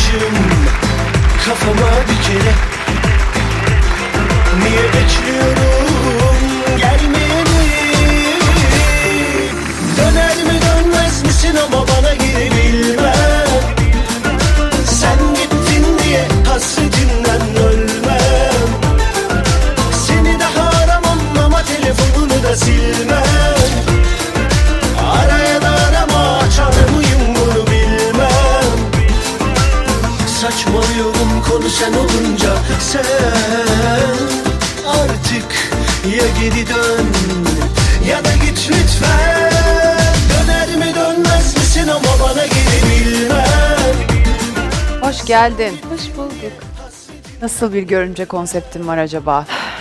tacım kafama bir kere. Niye bekliyorum gelmeyeni? Döner mi dönmez misin ama bana geri bilmem. Sen gittin diye hasretinden ölmem. Seni daha aramam ama telefonunu da silmem. Araya da arama, açar mıyım bunu bilmem. Saçmalıyorum konu sen olunca. Sen artık ya geri dön ya da git lütfen. Döner mi dönmez misin ama bana geri bilmem. Hoş geldin. Hoş bulduk. Nasıl bir görümce konseptin var acaba?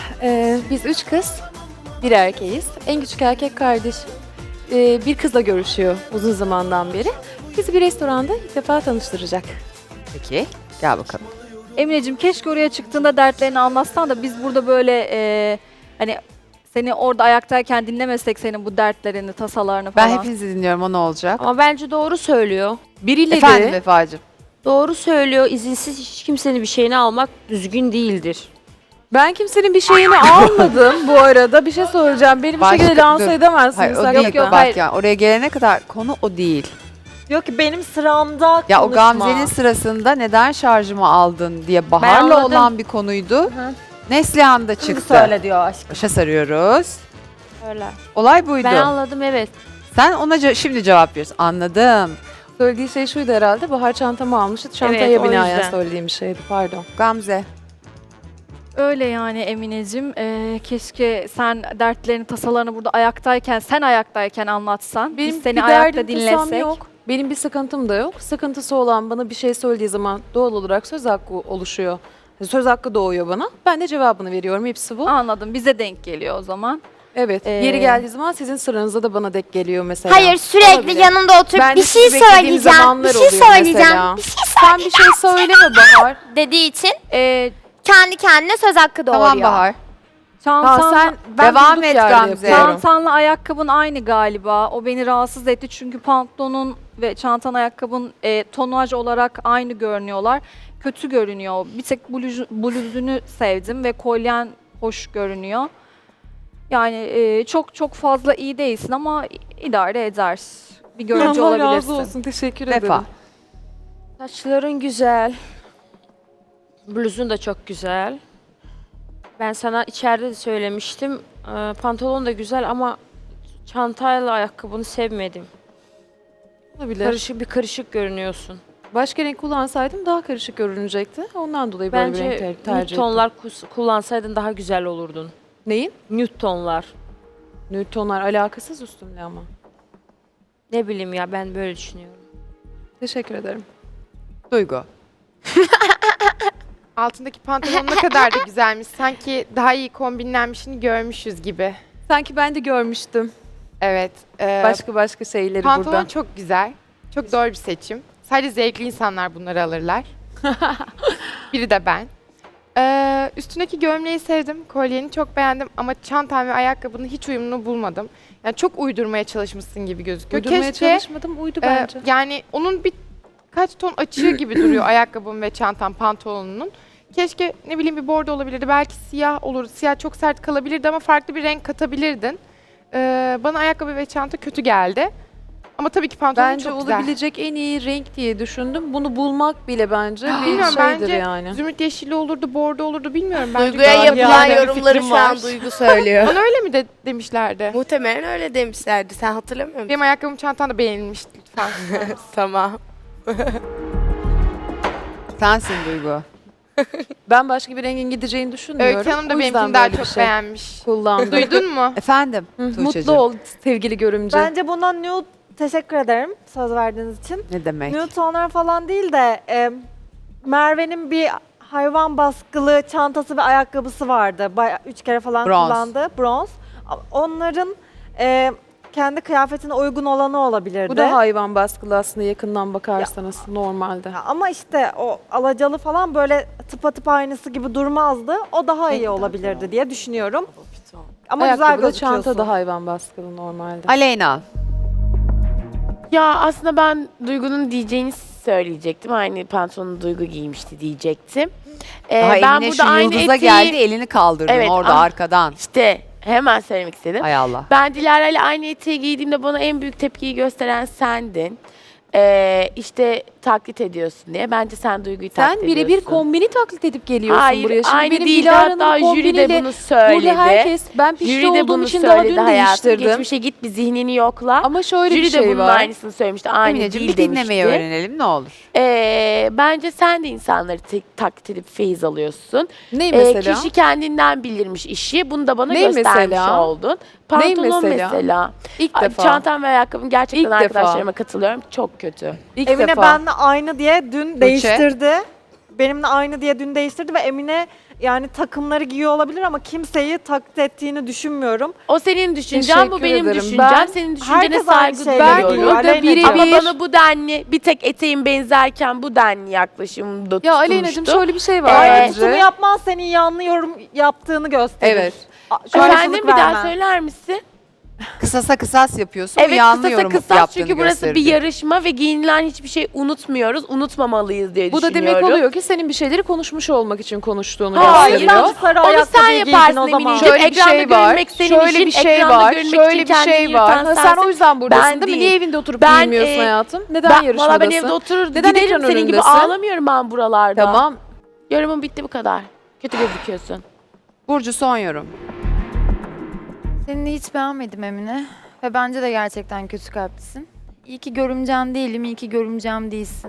Biz 3 kız, bir erkeğiz. En küçük erkek kardeşim bir kızla görüşüyor uzun zamandan beri. Bizi bir restoranda ilk defa tanıştıracak. Peki, gel bakalım. Emineciğim keşke oraya çıktığında dertlerini anlatsan da biz burada böyle hani seni orada ayaktayken dinlemesek senin bu dertlerini, tasalarını Ben falan. hepinizi dinliyorum, o ne olacak? Ama bence doğru söylüyor. Birileri Efendim Vefacığım. Doğru söylüyor. İzinsiz hiç kimsenin bir şeyini almak düzgün değildir. ben kimsenin bir şeyini almadım bu arada. Bir şey söyleyeceğim. Beni bir Başka- şekilde lanse dur. edemezsiniz. Hayır o Sakın. değil, bak hayır. ya oraya gelene kadar konu o değil. Yok ki benim sıramda Ya o konuşma. Gamze'nin sırasında neden şarjımı aldın diye Bahar'la anladım. olan bir konuydu. Hı. Neslihan da Şimdi çıktı. söyle diyor aşkım. Başa sarıyoruz. Öyle. Olay buydu. Ben anladım, evet. Sen ona şimdi cevap veriyorsun. Anladım. Söylediği şey şuydu herhalde. Bahar çantamı almıştı. Çantaya Evet, o binaen yüzden. söylediğim bir şeydi. Pardon. Gamze. Öyle yani Emineciğim. Keşke sen dertlerini, tasalarını burada ayaktayken, sen ayaktayken anlatsan. Benim biz seni bir ayakta derdim, tasam dinlesek. yok. Benim bir sıkıntım da yok. Sıkıntısı olan bana bir şey söylediği zaman doğal olarak söz hakkı oluşuyor. Söz hakkı doğuyor bana. Ben de cevabını veriyorum. Hepsi bu. Anladım. Bize denk geliyor o zaman. Evet. Yeri geldiği zaman sizin sıranıza da bana denk geliyor mesela. Hayır, sürekli Olabilir. yanında oturup Ben de bir şey sizi beklediğim söyleyeceğim, zamanlar bir şey oluyor söyleyeceğim, mesela. bir şey Sen bir şey söyleme Bahar. dediği için Ee, kendi kendine söz hakkı doğuruyor. Tamam Bahar. çantanla, Ben Devam durduk et yerde Gamze. yapıyorum. çantanla ayakkabın aynı galiba. O beni rahatsız etti çünkü pantolonun ve çantan ayakkabın tonaj olarak aynı görünüyorlar. Kötü görünüyor. Bir tek bluzunu sevdim ve kolyen hoş görünüyor. Yani çok fazla iyi değilsin ama idare eder. Bir görücü Allah razı olabilirsin. olsun. Teşekkür ederim. Vefa. Saçların güzel. Bluzun da çok güzel. Ben sana içeride de söylemiştim. Pantolon da güzel ama çantayla ayakkabını sevmedim. Olabilir. Karışık görünüyorsun. Başka renk kullansaydım daha karışık görünecekti. Ondan dolayı böyle bir Bence renk nude tercih ettim. tonlar kullansaydın daha güzel olurdun. Neyin? Nude tonlar. Nude tonlar alakasız üstümle ama. Ne bileyim ya, ben böyle düşünüyorum. Teşekkür ederim. Duygu. Altındaki pantolon ne kadar da güzelmiş. Sanki daha iyi kombinlenmişini görmüşüz gibi. Sanki ben de görmüştüm. Evet. Başka şeyleri Pantolon burada. çok güzel. Çok doğru bir seçim. Sadece zevkli insanlar bunları alırlar. Biri de ben. Üstündeki gömleği sevdim. Kolyeni çok beğendim ama çantam ve ayakkabının hiç uyumunu bulmadım. Yani çok uydurmaya çalışmışsın gibi gözüküyor. Uydurmaya çalışmadım. Uydu bence. Yani onun birkaç ton açığı gibi duruyor ayakkabım ve çantam pantolonunun. Keşke ne bileyim bir bordo olabilirdi. Belki siyah olur. Siyah çok sert kalabilirdi ama farklı bir renk katabilirdin. Bana ayakkabı ve çanta kötü geldi. Ama tabii ki pantolon Bence çok güzel. olabilecek en iyi renk diye düşündüm. Bunu bulmak bile bence bir Bilmiyorum, şeydir bence yani. Zümrüt yeşili olurdu, bordo olurdu bilmiyorum. Bence Duygu'ya gayet yapılan güzel bir yorumları fikrim şu an var. Duygu söylüyor. Bana öyle mi demişlerdi? Muhtemelen öyle demişlerdi. Sen hatırlamıyor musun? Benim ayakkabım çantam da beğenilmişti lütfen. Tamam. Sensin Duygu. Ben başka bir rengin gideceğini düşünmüyorum. Öykü Hanım da O yüzden benimkini daha böyle bir çok şey beğenmiş. kullandım. Duydun mu? Efendim Hı, Tuğçe'cim. Mutlu ol sevgili görümce. Bence bundan nude teşekkür ederim söz verdiğiniz için. Ne demek? Nude tonlar falan değil de Merve'nin bir hayvan baskılı çantası ve ayakkabısı vardı. Bayağı 3 kere falan Bronz. kullandı. Bronz. Onların kendi kıyafetine uygun olanı olabilirdi. Bu da hayvan baskılı aslında yakından bakarsanız normalde. Ya ama işte o alacalı falan böyle tıpatıp aynısı gibi durmazdı. O daha iyi olabilirdi diye düşünüyorum. Ama güzel Ayakkabı da gözüküyorsun. çanta da hayvan baskılı normalde. Aleyna. Ya aslında ben Duygu'nun diyeceğini söyleyecektim. Aynı pantolonu Duygu giymişti diyecektim. Daha ben Emine burada şu aynı yıldıza eteği- geldi, elini kaldırdın Evet, orada ah. arkadan. İşte hemen söylemek istedim. Hay Allah. Ben Dilara ile aynı eteği giydiğimde bana en büyük tepkiyi gösteren sendin. İşte taklit ediyorsun diye. Bence sen Duygu'yu taklit Sen ediyorsun. birebir kombini taklit edip geliyorsun Hayır, buraya. Şimdi aynı benim değil. Dilara'nın Hatta jüri de kombiniyle bunu söyledi. burada herkes, ben pişti Jüri de olduğum bunu için daha söyledi dün hayatım. değiştirdim. Geçmişe git, bir zihnini yokla. Ama şöyle Jüri bir de şey bunun var. aynısını söylemişti. Aynı Emineciğim değil bir dinlemeyi demişti. öğrenelim ne olur. Bence sen de insanları taklit edip feyiz alıyorsun. Ne mesela? Kişi kendinden bilirmiş işi. Bunu da bana Ne göstermiş mesela? oldun. Pantolon mesela? mesela. İlk defa. Çantam ve ayakkabım gerçekten İlk defa. arkadaşlarıma katılıyorum. Çok kötü. İlk Emine defa. benimle aynı diye dün değiştirdi. Benimle aynı diye dün değiştirdi ve Emine yani takımları giyiyor olabilir ama kimseyi taklit ettiğini düşünmüyorum. O senin düşüncen, bu Teşekkür benim ederim. düşüncem. Ben- Senin düşüncene Herkes aynı saygı şeyleri Ben giyiyor. duyuyorum. burada Aleyna'cığım. Ama birebir... bana bu denli bir tek eteğin benzerken bu denli yaklaşımda Ya tutulmuştu. Aleyna'cığım şöyle bir şey var Aynı bence. tutumu yapman senin yanlı yorum yaptığını gösterir. Evet. Efendim bir daha söyler misin? Kısasa kısas yapıyorsun. Evet, yanlı kısasa yorum kısas yaptığını çünkü burası gösterir. bir yarışma ve giyinilen hiçbir şey unutmuyoruz. Unutmamalıyız diye Bu da düşünüyorum. demek oluyor ki senin bir şeyleri konuşmuş olmak için konuştuğunu Hayır. gösteriyor. Yüzden sarı Onu sen ayakkabıyı giydin yaparsın o zaman. Emineciğim. Şöyle bir Ekranda şey var. görünmek senin Şöyle işin, bir şey ekranda var. görünmek Şöyle için bir kendini şey var. yırtan Ha, sen sensin. o yüzden buradasın Ben değil mi? değil. Niye evinde oturup Ben, giymiyorsun hayatım? Neden Valla yarışmadasın? ben evde oturur Neden giderim ekran senin gibi önündesin? ağlamıyorum ben buralarda. Tamam. Yorumum bitti, bu kadar. Kötü gözüküyorsun. Burcu son yorum. Seni hiç beğenmedim Emine. Ve bence de gerçekten kötü kalplisin. İyi ki görümcem değilim, iyi ki görümcem değilsin.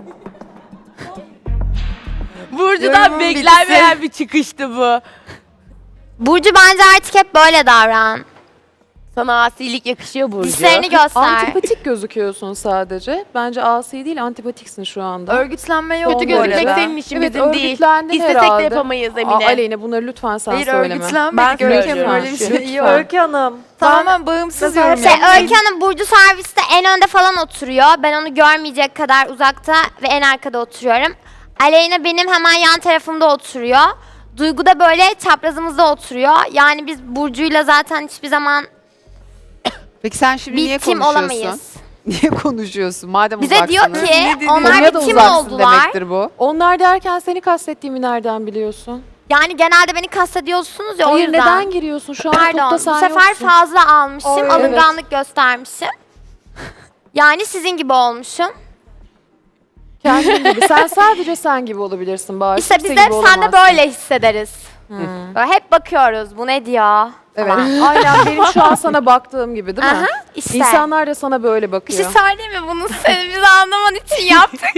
Burcu'dan Yorumum beklenmeyen bir çıkıştı bu. Burcu bence artık hep böyle davran. Sana asilik yakışıyor Burcu. Dişlerini göster. Antipatik gözüküyorsun sadece. Bence asi değil, antipatiksin şu anda. Örgütlenme yok Kötü bu gözükmek arada. senin işin, Evet, bizim değil. örgütlendin İstesek herhalde. de yapamayız Aa, Emine. Aleyna bunları lütfen sen Hayır söyleme. örgütlenmedik Ben Öykü söylüyorum. Hanım, öyle bir şey yok. Öykü Hanım. Tamamen bağımsız Mesela yorum Şey, yaptın. Öykü Hanım Burcu serviste en önde falan oturuyor. Ben onu görmeyecek kadar uzakta ve en arkada oturuyorum. Aleyna benim hemen yan tarafımda oturuyor. Duygu da böyle çaprazımızda oturuyor. Yani biz Burcu'yla zaten hiçbir zaman Peki sen şimdi bir niye tim konuşuyorsun? olamayız. Niye konuşuyorsun? Madem Bize diyor uzaksınız. ki onlar Konuya da bir tim uzaksın oldular. demektir bu. Onlar derken seni kastettiğimi nereden biliyorsun? Yani genelde beni kastediyorsunuz ya o Hayır yüzden. neden giriyorsun? Şu an Pardon topta bu sen sefer yoksun. fazla almışım, Evet. alınganlık göstermişim. Yani sizin gibi olmuşum. Kendin gibi. Sen sadece sen gibi olabilirsin bari. İşte Kimse biz de gibi sen de olamazsın. böyle hissederiz. Böyle hep bakıyoruz bu ne diyor Evet. falan. Aynen benim şu an sana baktığım gibi değil mi? Aha, işte. İnsanlar da sana böyle Bir bakıyor. şey söyleyeyim mi? Bunu seni bizi anlaman için yaptık.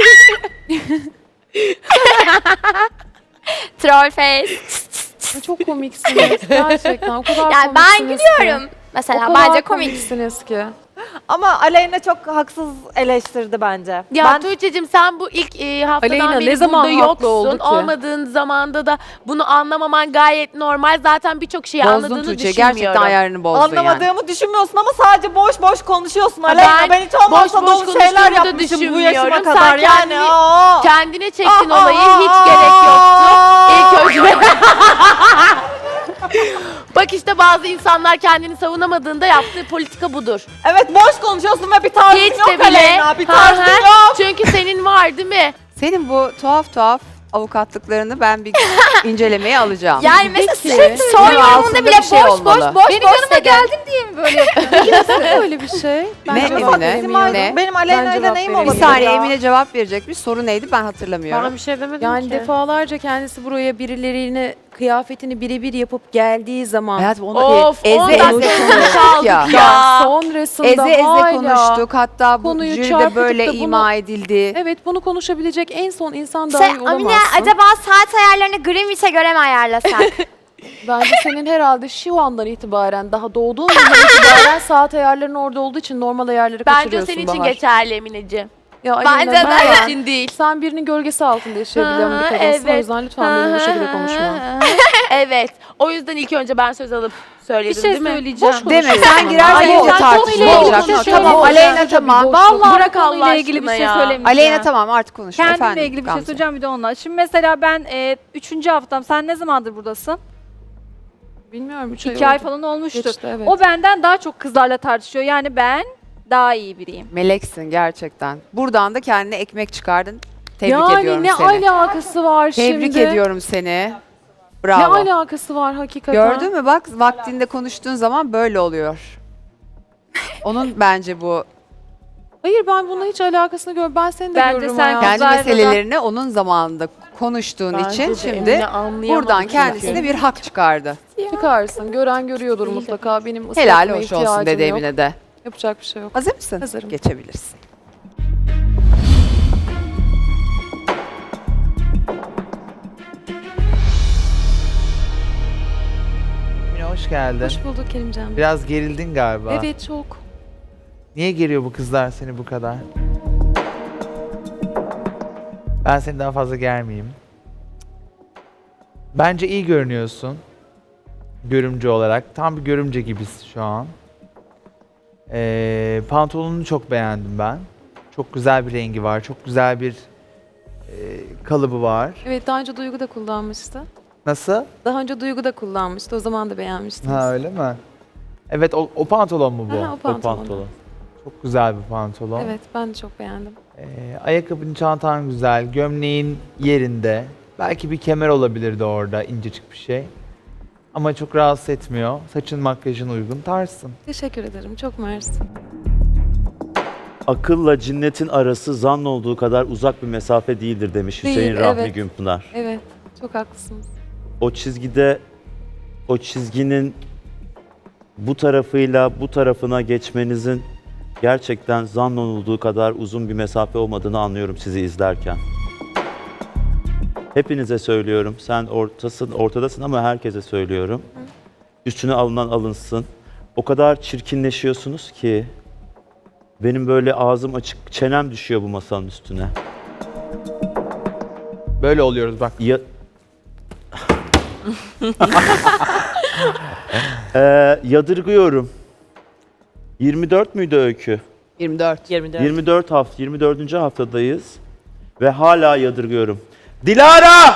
Troll face. Çok komiksiniz gerçekten. O kadar Yani ben komiksiniz gülüyorum. Ki. Mesela O kadar bence komik. komiksiniz ki. Ama Aleyna çok haksız eleştirdi bence. Ya Tuğçe'cim sen bu ilk haftadan Aleyna, beri ne zaman burada haklı oldu yoksun. ki? Olmadığın zamanda da bunu anlamaman gayet normal. Zaten birçok şeyi Bozdun anladığını Tuğçe. düşünmüyorum. Gerçekten ayarını bozdun yani. Anlamadığımı düşünmüyorsun ama sadece boş boş konuşuyorsun Aleyna. Ben hiç olmazsa boş boş dolu şeyler konuştuğumu da yapmışım bu düşünmüyorum. yaşıma Sen kadar. Yani Kendine çektin olayı, hiç gerek yoktu. İlk önce... Bak işte bazı insanlar kendini savunamadığında yaptığı politika budur. Evet boş konuşuyorsun ve bir tarzın Hiç yok de bile. Aleyna. Bir tarzın Hı hı. yok. Çünkü senin var değil mi? Senin bu tuhaf avukatlıklarını ben bir incelemeye alacağım. Yani mesela Peki. sürekli son Bunun yorumunda altında bile bir şey boş olmalı. boş Benim boş yanıma dedi. geldin diye mi böyle yapıyorsun? Öyle bir şey. Ben Ne cevap Emine? veremiyorum. Ne? Benim Ben Aleyna ile cevap neyim vereyim. Bir olabilir saniye ya? Emine cevap verecekmiş. Soru neydi ben hatırlamıyorum. Ben bir şey demedim Yani ki. defalarca kendisi buraya birilerine kıyafetini birebir yapıp geldiği zaman Hayatım onu Of, eze 10 eze dakika konuştuk ya. Ya. sonrasında Eze hala konuştuk. Hatta bu konuyu jüride çarpıtıp böyle da bunu- ima edildi. Evet bunu konuşabilecek en son insan Şey, dahi olamazsın. Amine acaba saat ayarlarını Greenwich'e göre mi ayarlasak? Bence senin herhalde şu andan itibaren daha doğduğun andan itibaren saat ayarların orada olduğu için normal ayarları Bence kaçırıyorsun senin için Bahar. geçerli Emineciğim. Ya Bence Aleyna, de. ben- Benim için değil. Sen birinin gölgesi altında yaşayabilen bir Hı hı, kadınsın. O evet. yüzden lütfen benimle bu şekilde konuşma. Evet. O yüzden ilk önce ben söz alıp söyledim Bir şey değil mi? söyleyeceğim. Deme sen girersen Ay, iyice sen tartışma konuyla olacak. ilgili Tamam konuşalım. Aleyna tamam. Vallahi Bırak Allah konuyla ilgili bir aşkına şey ya. söylemeyeceğim. Aleyna tamam artık konuş. Kendimle Efendim, ilgili bir şey Gamze. söyleyeceğim bir de onunla. Şimdi mesela ben 3. haftam. Sen ne zamandır buradasın? Bilmiyorum 3 2 ay falan olmuştur. Geçti, evet. O benden daha çok kızlarla tartışıyor. Yani ben daha iyi biriyim. Meleksin gerçekten. Buradan da kendine ekmek çıkardın. Tebrik ediyorum Yani ne seni. alakası var Tebrik şimdi? ediyorum seni. Ne Bravo. alakası var hakikaten? Gördün mü bak vaktinde konuştuğun zaman böyle oluyor. Onun bence bu Hayır ben bununla hiç alakasını görmüyorum. Ben seni de Bence görürüm sen hayatım. kendi Güzel meselelerini onun zamanında konuştuğun Bence için de şimdi Emine anlayamadı buradan çünkü. kendisine bir hak çıkardı. Çıkarsın. Gören görüyordur mutlaka. Benim Helal ıslatmaya hoş olsun ihtiyacım dedi yok. Emine de. Yapacak bir şey yok. Hazır mısın? Hazırım. Geçebilirsin. Emine hoş geldin. Hoş bulduk Kerimcan. Biraz gerildin galiba. Evet çok. Niye geriyor bu kızlar seni bu kadar? Ben seni daha fazla germeyeyim. Bence iyi görünüyorsun. Görümce olarak. Tam bir görümce gibisin şu an. Pantolonunu çok beğendim ben. Çok güzel bir rengi var. Çok güzel bir kalıbı var. Evet daha önce Duygu da kullanmıştı. Nasıl? Daha önce Duygu da kullanmıştı. O zaman da beğenmiştiniz. Ha öyle mi? Evet o pantolon mu bu? Aha, o pantolon. Çok güzel bir pantolon. Evet ben de çok beğendim. Ayakkabın, çantan güzel, gömleğin yerinde. Belki bir kemer olabilirdi orada, incecik bir şey. Ama çok rahatsız etmiyor. Saçın, makyajın uygun, tarzsın. Teşekkür ederim. Çok mersi. Akılla cinnetin arası zann olduğu kadar uzak bir mesafe değildir demiş Değil, Hüseyin Rahmi evet. Günpınar. Evet. Çok haklısınız. O çizgide, o çizginin bu tarafıyla bu tarafına geçmenizin gerçekten zann olduğu kadar uzun bir mesafe olmadığını anlıyorum sizi izlerken. Hepinize söylüyorum. Sen ortadasın ama herkese söylüyorum. Üstüne alınan alınsın. O kadar çirkinleşiyorsunuz ki benim böyle ağzım açık, çenem düşüyor bu masanın üstüne. Böyle oluyoruz bak. Yadırgıyorum. 24 müydü Öykü? 24. 24. haftadayız ve hala yadırgıyorum. Dilara!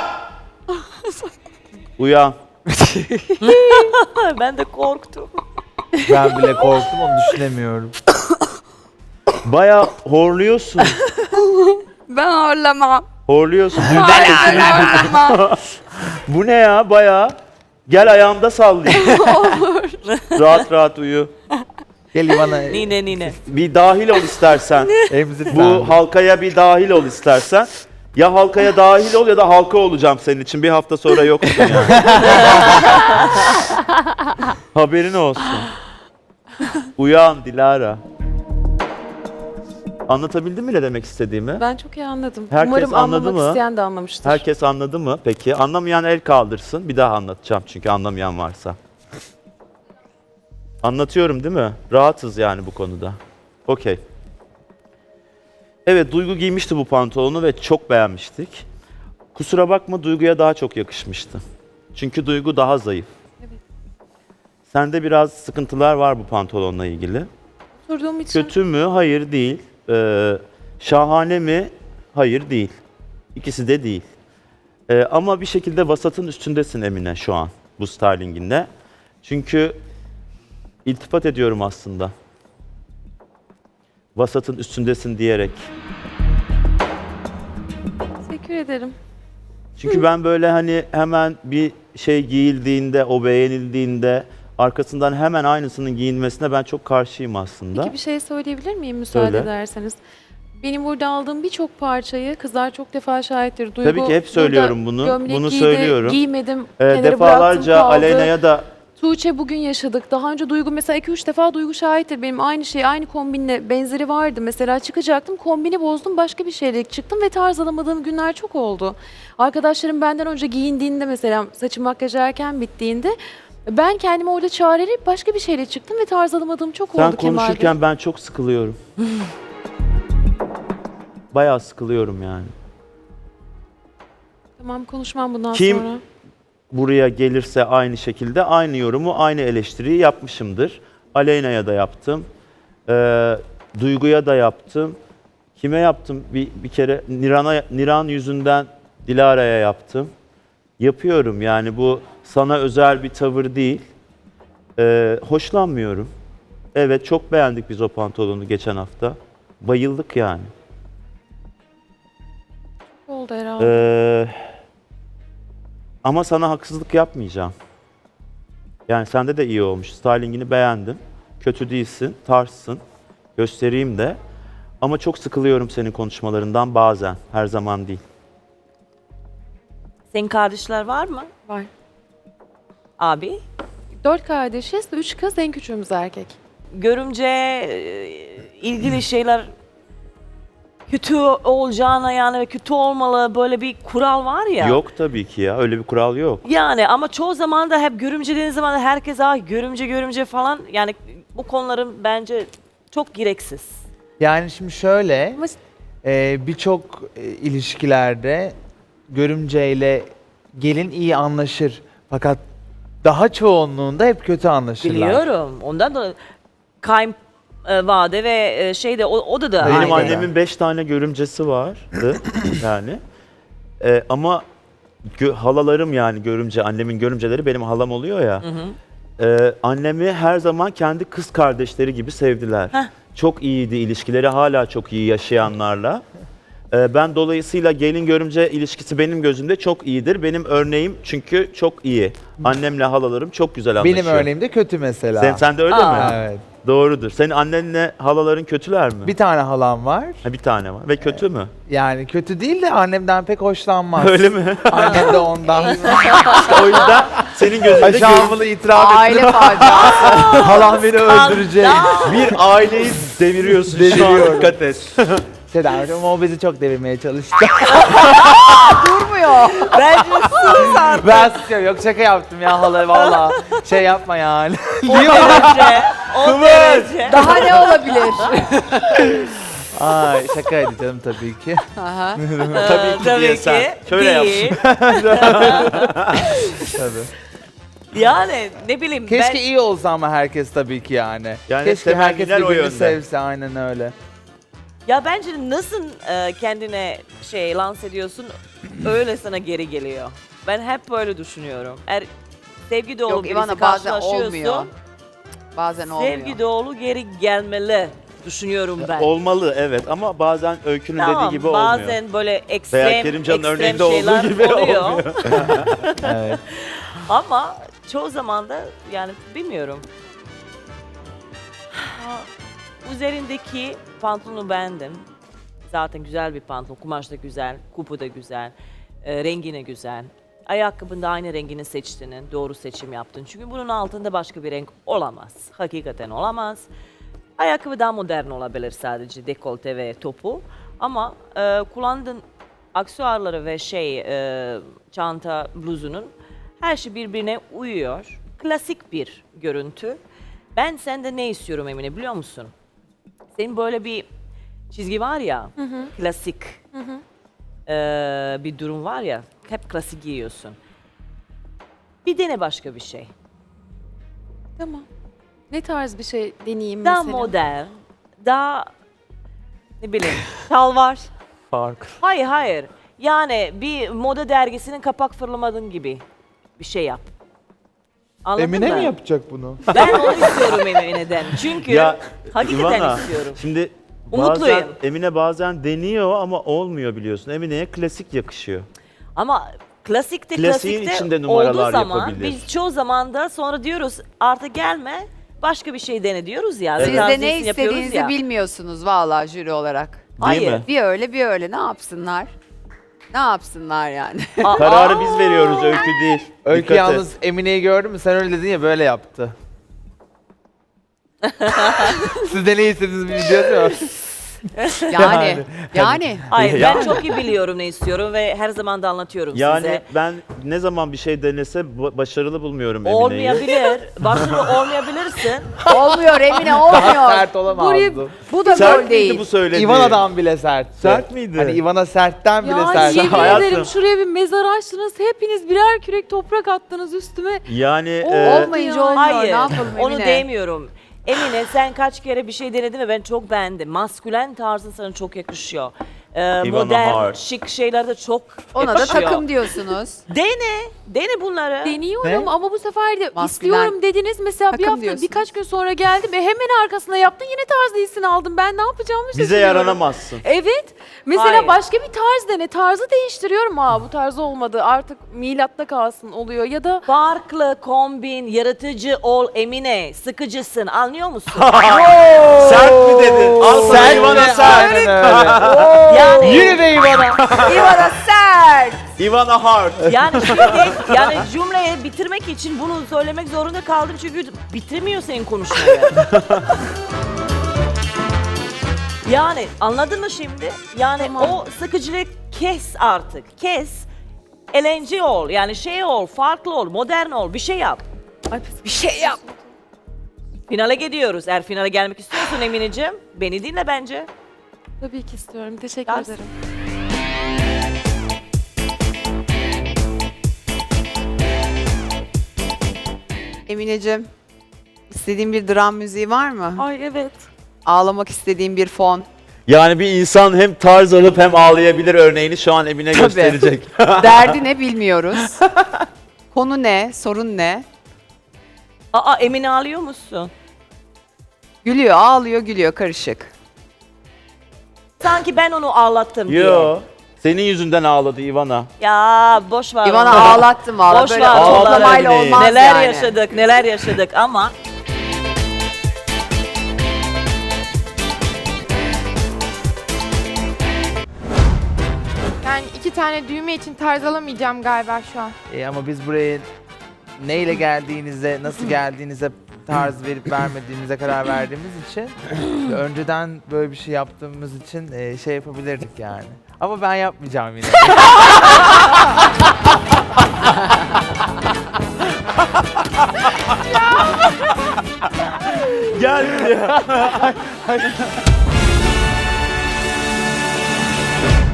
Uyan. Ben de korktum. Ben bile korktum, onu düşünemiyorum. Bayağı horluyorsun. Ben horlamam. Horluyorsun. Bu ne ya bayağı? Gel ayağımda sallayayım. Rahat rahat uyu. Gel bana Nine. Bir dahil ol istersen. emzir sen Bu de. halkaya bir dahil ol istersen. Ya halkaya dahil ol ya da halka olacağım senin için. Bir hafta sonra yoksun yani. Haberin olsun. Uyan Dilara. Anlatabildim mi ne demek istediğimi? Ben çok iyi anladım. Herkes Umarım anladı anlamak mı? isteyen de anlamıştır. Herkes anladı mı? Peki. Anlamayan el kaldırsın. Bir daha anlatacağım çünkü anlamayan varsa. Anlatıyorum değil mi? Rahatız yani bu konuda. Okey. Evet, Duygu giymişti bu pantolonu ve çok beğenmiştik. Kusura bakma, Duygu'ya daha çok yakışmıştı. Çünkü Duygu daha zayıf. Evet. Sende biraz sıkıntılar var bu pantolonla ilgili. Oturduğum için Kötü mü? Hayır değil. Şahane mi? Hayır değil. İkisi de değil. Ama bir şekilde vasatın üstündesin Emine şu an bu stylinginle. Çünkü iltifat ediyorum aslında. Vasatın üstündesin diyerek. teşekkür ederim. Çünkü ben böyle hani hemen bir şey giyildiğinde, o beğenildiğinde arkasından hemen aynısının giyinmesine ben çok karşıyım aslında. Peki bir şey söyleyebilir miyim müsaade Söyle. ederseniz? Benim burada aldığım birçok parçayı kızlar çok defa şahittir. Duygu, Tabii ki hep söylüyorum burada bunu. gömlek Bunu giydi, söylüyorum. Giymedim. kenara Defalarca bıraktım, kaldı. Aleyna'ya da Tuğçe bugün yaşadık. Daha önce Duygu mesela 2-3 defa Duygu şahittir. Benim aynı şey, aynı kombinle benzeri vardı. Mesela çıkacaktım, kombini bozdum, başka bir şeyle çıktım ve tarz alamadığım günler çok oldu. Arkadaşlarım benden önce giyindiğinde mesela saçım makyaj erken bittiğinde ben kendimi orada çağırıp başka bir şeyle çıktım ve tarz alamadığım çok sen oldu Kemal Bey. konuşurken ben çok sıkılıyorum. Bayağı sıkılıyorum yani. Tamam konuşmam bundan Kim- sonra. Buraya gelirse aynı şekilde aynı yorumu, aynı eleştiriyi yapmışımdır. Aleyna'ya da yaptım. Duygu'ya da yaptım. Kime yaptım? Bir kere Niran yüzünden Dilara'ya yaptım. Yapıyorum yani bu sana özel bir tavır değil. Hoşlanmıyorum. Evet, çok beğendik biz o pantolonu geçen hafta. Bayıldık yani. Oldu herhalde. Ama sana haksızlık yapmayacağım. Yani sende de iyi olmuş. Stylingini beğendim. Kötü değilsin, tarzsın. Göstereyim de. Ama çok sıkılıyorum senin konuşmalarından bazen. Her zaman değil. Senin kardeşler var mı? Var. Abi? 4 kardeşiz, 3 kız, en küçüğümüz erkek. Görümce ilgili şeyler kötü olacağına yani ve kötü olmalı böyle bir kural var ya. Yok tabii ki ya. Öyle bir kural yok. Yani ama çoğu zaman da hep görümce dediğiniz zaman da herkes görümce falan yani bu konuların bence çok gereksiz. Yani şimdi şöyle, Ama birçok ilişkilerde görümceyle gelin iyi anlaşır. Fakat daha çoğunluğunda hep kötü anlaşırlar. Biliyorum. Ondan da kayınvalide ve şeyde o da Benim Aynen. annemin 5 tane görümcesi vardı yani. Ama halalarım yani görümce, annemin görümceleri benim halam oluyor ya. Annemi her zaman kendi kız kardeşleri gibi sevdiler. Heh. Çok iyiydi ilişkileri, hala çok iyi yaşayanlarla. Ben dolayısıyla gelin görümce ilişkisi benim gözümde çok iyidir. Benim örneğim çünkü çok iyi. Annemle halalarım çok güzel anlaşıyor. Benim örneğim de kötü mesela. Sen de öyle Aa. mi? Evet. Doğrudur. Senin annenle halaların kötüler mi? Bir tane halam var. Ha, bir tane var. Ve kötü mü? Yani kötü değil de annemden pek hoşlanmaz. Öyle mi? Annem de ondan. O yüzden senin gözünde Aşağımını itiraf ettim. Aile faciası. Halam beni öldürecek. bir aileyi deviriyorsun şu an. Deviriyorum. Dikkat et. Sedacığım o bizi çok devirmeye çalıştı. Durmuyor. Bence sus artık. Ben susuyorum. Yok şaka yaptım ya hala valla. Şey yapma yani. O derece. O derece. Daha ne olabilir? Ay şakaydı canım tabii ki. Aha. Tabii ki diye sen. Şöyle değil. Tabii. Yani ne bileyim Keşke iyi olsa ama herkes tabii ki yani. Yani Keşke herkes temenniler o birbirini yönde. sevse aynen öyle. Ya bence nasıl kendine lanse ediyorsun öyle sana geri geliyor. Ben hep böyle düşünüyorum. Eğer sevgi dolu Yok birisi İvana bazen karşılaşıyorsun, olmuyor. Bazen olmuyor. sevgi dolu geri gelmeli düşünüyorum ben. Olmalı evet ama bazen Öykü'nün Tamam, dediği gibi olmuyor. bazen böyle Veya ekstrem Kerimcan'ın örneğinde şeyler olduğu gibi oluyor. olmuyor. Evet. Ama çoğu zaman da yani bilmiyorum. Üzerindeki pantolonu beğendim. Zaten güzel bir pantolon. Kumaş da güzel, kupu da güzel, rengine güzel. Ayakkabın da aynı rengini seçtiğinin, doğru seçim yaptın. Çünkü bunun altında başka bir renk olamaz. Hakikaten olamaz. Ayakkabı daha modern olabilir sadece dekolte ve topu. Ama kullandığın aksesuarları ve çanta, bluzunun her şey birbirine uyuyor. Klasik bir görüntü. Ben sende ne istiyorum Emine biliyor musun? Senin böyle bir çizgi var ya, klasik bir durum var ya, hep klasik giyiyorsun. Bir dene başka bir şey. Tamam. Ne tarz bir şey deneyeyim Daha mesela? modern, daha ne bileyim. Şalvar. Fark. Hayır. Yani bir moda dergisinin kapak fırlamadığın gibi bir şey yap. Anladın Emine mı? mi yapacak bunu? Ben onu istiyorum Emine'den. Çünkü Ya hakikaten İvana, istiyorum. şimdi Umutluyum. bazen Emine bazen deniyor ama olmuyor biliyorsun. Emine'ye klasik yakışıyor. Ama klasikte Klasiğin klasikte içinde numaralar olduğu zaman yapabilir. biz çoğu zaman da sonra diyoruz artık gelme başka bir şey dene diyoruz ya. Siz de ne Transition yapıyoruz istediğinizi ya. bilmiyorsunuz vallahi jüri olarak. Değil Hayır. mi? Bir öyle bir öyle ne yapsınlar? Ne yapsınlar yani? Kararı biz veriyoruz, Öykü değil. Öykü Dikkat et. yalnız Emine'yi gördün mü? Sen öyle dedin ya böyle yaptı. Siz de ne istediğinizi biliyorsunuz mu? Yani. Hayır Ya- ben çok iyi biliyorum ne istiyorum ve her zaman da anlatıyorum Yani size. ben ne zaman bir şey denese başarılı bulmuyorum Emine'yi. Olmayabilir. Başarılı olmayabilirsin. Olmuyor Emine olmuyor. Sert olamazdı. Bu da Sert gol miydi değil. bu söylediğin? Ivana'dan bile sertti. Sert miydi? Hani Ivana sertten bile Ya sert. yemin Hayatım. ederim şuraya bir mezar açtınız. Hepiniz birer kürek toprak attınız üstüme. Yani Olmayınca olmuyor. Hayır. Ne yapalım Emine? Onu demiyorum. Emine sen kaç kere bir şey denedin ve ben çok beğendim. Maskülen tarzın sana çok yakışıyor. Ivana Hart. modern, şık şeyler de çok Ona da yakışıyor. takım diyorsunuz. Dene bunları. Deniyorum Ne? ama bu sefer de Maskülen istiyorum dediniz. Mesela bir takım hafta diyorsunuz. birkaç gün sonra geldim ve hemen arkasına yaptın yine tarz iyisini aldım. Ben ne yapacağımı şaşırıyorum. Bize yaranamazsın. Evet. Mesela Hayır. başka bir tarz dene. Tarzı değiştiriyorum. Bu tarz olmadı. Artık milatta kalsın oluyor. Ya da Farklı, kombin, yaratıcı ol Emine. Sıkıcısın, anlıyor musun? Sert mi dedin? Al sana Sen Ivana de sert. aynen öyle. Yani, Yürü be İvana. İvana sert. Ivana Hart. yani şimdi yani cümleyi bitirmek için bunu söylemek zorunda kaldım çünkü bitirmiyor senin konuşmayı. Yani anladın mı şimdi? Yani o sıkıcılığı kes artık. Kes. Eğlence ol. Yani şey ol, farklı ol, modern ol. Bir şey yap. Bir şey yap. Finale gidiyoruz. Eğer finale gelmek istiyorsan Emineciğim, beni dinle bence. tabii ki istiyorum. Teşekkür Ders. ederim. Emineciğim, istediğin bir dram müziği var mı? Ay evet. Ağlamak istediğin bir fon. Yani bir insan hem tarz alıp hem ağlayabilir örneğini şu an Emine Tabii. gösterecek. Derdi ne bilmiyoruz. Konu ne? Sorun ne? Aa Emine ağlıyor musun? Gülüyor, ağlıyor, gülüyor karışık. Sanki ben onu ağlattım diye. Yo. Senin yüzünden ağladı Ivana. Ya boş ver. İvana onu. ağlattım valla. Boş Böyle ver, ağlamayla ağlamayın. olmaz Neler yani. yaşadık, neler yaşadık ama Yani 2 tane düğme için tarz alamayacağım galiba şu an. Ama biz buraya neyle geldiğinize, nasıl geldiğinize tarz verip vermediğimize karar verdiğimiz için önceden böyle bir şey yaptığımız için şey yapabilirdik yani. Ama ben yapmayacağım yine. Gel ya.